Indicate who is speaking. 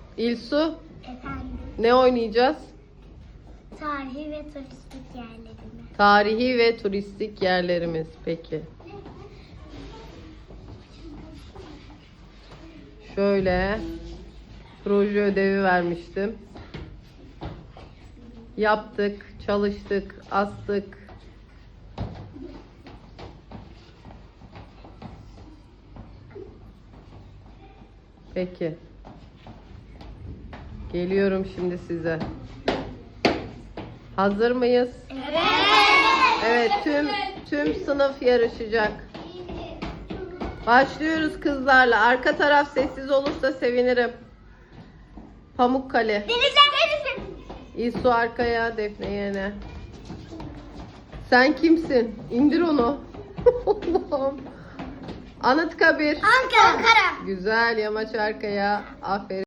Speaker 1: İlsu,
Speaker 2: Efendim,
Speaker 1: ne oynayacağız?
Speaker 2: tarihi ve turistik yerlerini.
Speaker 1: Tarihi ve turistik yerlerimiz. Peki. Şöyle proje ödevi vermiştim. Yaptık, çalıştık, astık. Peki. Geliyorum şimdi size. Hazır mıyız? Evet, tüm sınıf yarışacak. Başlıyoruz kızlarla. Arka taraf sessiz olursa sevinirim. Pamukkale. İlsu arkaya, Defne yerine. Sen kimsin? İndir onu. Allah'ım. Anıtkabir.
Speaker 2: Ankara.
Speaker 1: Güzel, yamaç arkaya. Aferin.